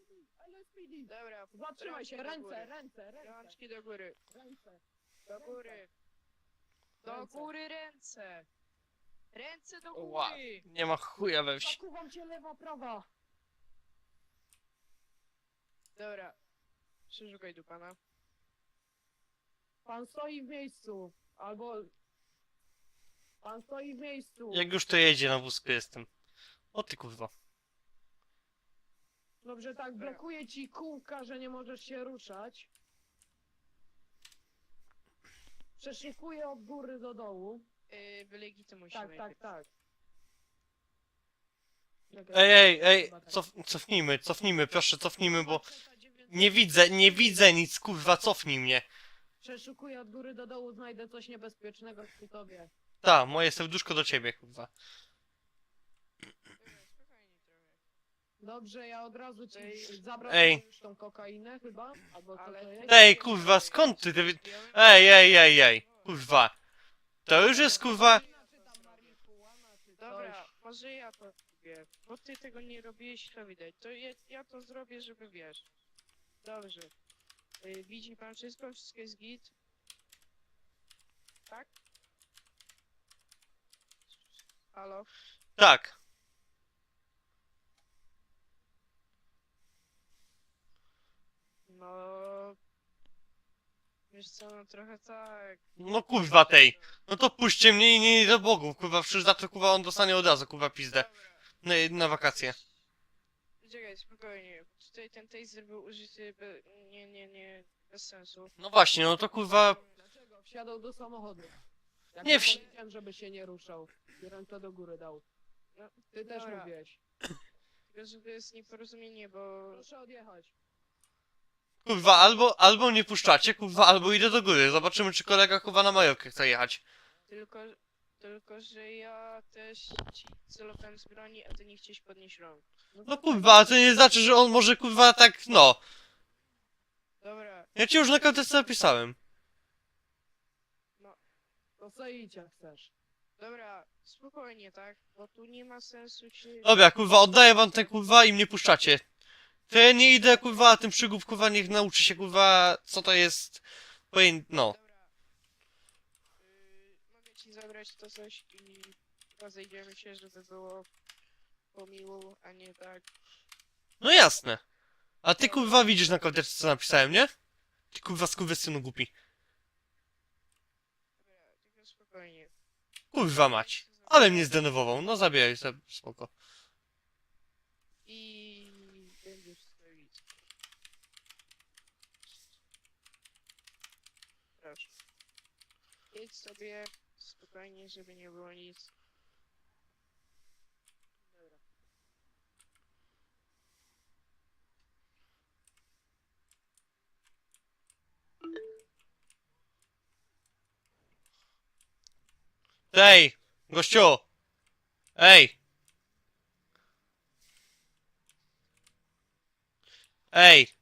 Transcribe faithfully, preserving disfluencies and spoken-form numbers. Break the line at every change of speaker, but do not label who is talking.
L S P D.
Dobra,
Zatrzymaj się,
rączki do
ręce,
góry.
ręce, ręce,
Rączki do góry.
ręce.
Do góry. Do
Ręce.
góry ręce. Ręce do
Ła,
góry.
nie ma chuja we wsi.
Zakuwam cię lewa, prawa.
Dobra. Przeszukaj tu pana.
Pan stoi w miejscu. Albo... Pan stoi w miejscu.
Jak już to jedzie, na wózku jestem. O ty kurwa.
Dobrze, tak, blokuje ci kółka, że nie możesz się ruszać. Przeszukuję od góry do dołu.
Yy, wylegitymuj się
Tak, tak,
najpierw.
tak. Czekaj,
Ej, ej, ej,
chyba tak.
cof, cofnijmy, cofnijmy, proszę, cofnijmy, bo nie widzę, nie widzę nic, kurwa, cofnij mnie.
Przeszukuję od góry do dołu, znajdę coś niebezpiecznego przy tobie.
Ta, moje serduszko do ciebie, kurwa.
Dobra, spokojnie trochę.
Dobrze, ja od razu ci
Ej.
zabrać
Ej.
już tą kokainę chyba? Albo co
Ale
to jest?
Ej, kurwa, skąd ty, ty... Ej, ej, ej, ej, kurwa. To już jest, kurwa...
Czy tam marihuana, czy
Dobra,
coś.
może ja to zrobię. Bo ty tego nie robiłeś, to widać. To ja, ja to zrobię, żeby wiesz. Dobrze. Yy, widzi pan wszystko? Wszystko jest git? Tak? Halo?
Tak.
No... Wiesz co, no trochę tak.
No kurwa tej. No to puśćcie mnie i nie do bogów, kurwa, przecież za to, kurwa, on dostanie od razu, kurwa, pizdę.
Dobra.
Na, na wakacje.
Czekaj, spokojnie. Tutaj ten taser był użyty be... nie, nie, nie, bez sensu.
No właśnie, no to kurwa...
Dlaczego? Wsiadał do samochodu. Jak
Nie
nie
wsi-
powiedziałem, żeby się nie ruszał. I ręce do góry dał.
No,
Ty też
dobra.
mówiłeś.
Tylko, że to jest nieporozumienie, bo...
Proszę odjechać.
Kurwa, albo, albo nie puszczacie, kurwa, albo idę do góry. Zobaczymy, czy kolega, kurwa, na Majorkę chce jechać.
Tylko, tylko, że ja też ci celowałem z broni, a ty nie chciałeś podnieść rąk.
No kurwa, a to nie znaczy, że on może, kurwa, tak, no.
Dobra,
Ja ci już na karteczce napisałem.
To co idź jak chcesz.
dobra, spokojnie, tak? Bo tu nie ma sensu ci...
Dobra, kurwa, oddaję wam ten, kurwa, i mnie puszczacie. To ja nie idę, kurwa, a ten przygód, kurwa, niech nauczy się, kurwa, co to jest... Poję... no.
Dobra. Yy, mogę ci zabrać to coś i rozejdziemy się, żeby było po miłu, a nie tak.
No jasne. A ty, kurwa, widzisz na karteczce, co napisałem, nie? Ty, kurwa, skurwysynu głupi.
Dobra, tylko spokojnie.
Kurwa mać. Ale mnie zdenerwował, no zabieraj sobie, spoko.
I będziesz stoić. Proszę. Jedź sobie spokojnie, żeby nie było nic. Dobra.
Ej, gościu! Ej! Ej!